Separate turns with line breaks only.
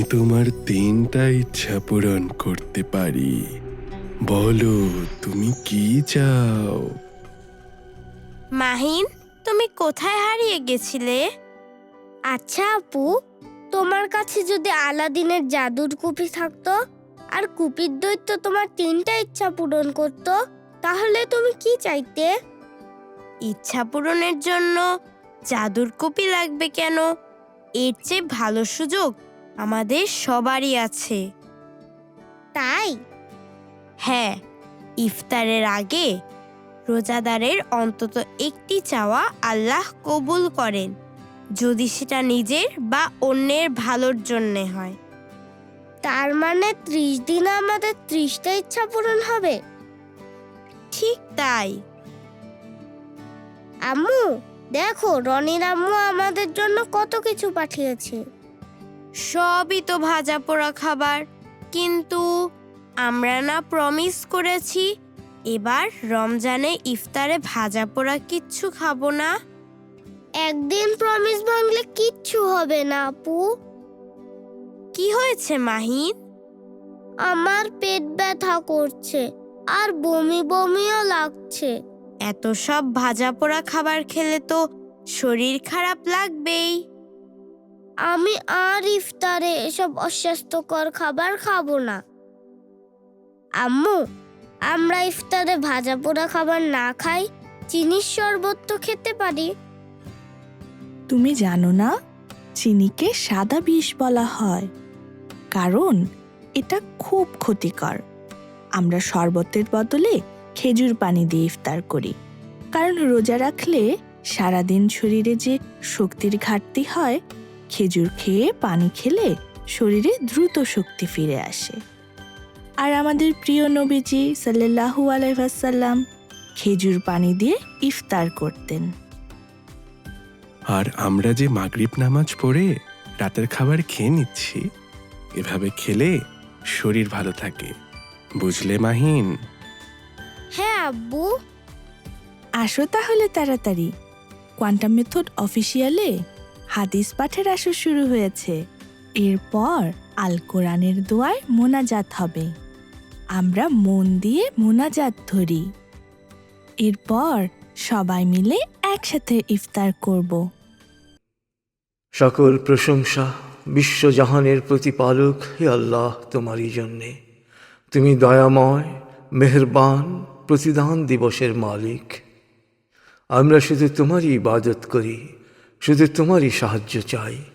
তোমার 3টা ইচ্ছা পূরণ করতে পারি। বলো তুমি কি চাও?
মাহিন, তুমি কোথায় হারিয়ে গেছিলে?
আচ্ছা আপু, তোমার কাছে যদি আলাদিনের জাদুর কুপি থাকতো আর কুপির দৈত্য তোমার 3টা ইচ্ছা পূরণ করত, তাহলে তুমি কি চাইতে?
ইচ্ছা পূরণের জন্য জাদুর কপি লাগবে কেন? এর চেয়ে ভালো সুযোগ আমাদের সবারই আছে।
তাই?
হ্যাঁ, ইফতারের আগে রোজাদারের অন্তত একটি চাওয়া আল্লাহ কবুল করেন, যদি সেটা নিজের বা অন্যের ভালোর জন্যে হয়।
তার মানে 30 দিনে আমাদের 30টা ইচ্ছা পূরণ হবে?
ঠিক তাই।
আম্মু, দেখো রনির আম্মু আমাদের জন্য কত কিছু পাঠিয়েছে।
সবই তো ভাজা পোড়া খাবার, কিন্তু আমরা না প্রমিস করেছি এবার রমজানে ইফতারে ভাজা পোড়া কিচ্ছু খাবো না?
একদিন প্রমিস ভাঙলে কিচ্ছু হবে না আপু।
কি হয়েছে মাহিন?
আমার পেট ব্যথা করছে আর বমি বমিও লাগছে।
এত সব ভাজা পোড়া খাবার খেলে তো শরীর খারাপ লাগবেই।
আমি আর ইফতারে এসব অস্বাস্থ্যকর খাবার খাবো না। আম্মু, আমরা ইফতারে ভাজা পোড়া খাবার না খাই চিনির শরবত তো খেতে পারি।
তুমি জানো না, চিনিকে সাদা বিষ বলা হয়, কারণ এটা খুব ক্ষতিকর। আমরা শরবতের বদলে খেজুর পানি দিয়ে ইফতার করি, কারণ রোজা রাখলে সারাদিন শরীরে যে শক্তির ঘাটতি হয়, খেজুর খেয়ে পানি খেলে শরীরে দ্রুত শক্তি ফিরে আসে। আর আমাদের প্রিয় নবীজি সাল্লাল্লাহু আলাইহি ওয়াসাল্লাম খেজুর পানি দিয়ে ইফতার করতেন।
আর আমরা যে মাগরিব নামাজ পড়ে রাতের খাবার খেয়ে নিচ্ছি, এভাবে খেলে শরীর ভালো থাকে, বুঝলে মাহিন?
হ্যাঁ আব্বু।
আসো তাহলে তাড়াতাড়ি, কোয়ান্টাম মেথড অফিসিয়ালে হাদিস পাঠের আসর শুরু হয়েছে। এরপর আল কোরআনের দোয়ায় মোনাজাত হবে। আমরা মন দিয়ে মোনাজাত ধরি, এরপর সবাই মিলে একসাথে ইফতার করব।
সকল প্রশংসা বিশ্বজাহানের প্রতিপালক হে আল্লাহ তোমারই জন্যে। তুমি দয়াময়, মেহেরবান, প্রতিদান দিবসের মালিক। আমরা শুধু তোমারই ইবাদত করি, শুধু তোমারই সাহায্য চাই।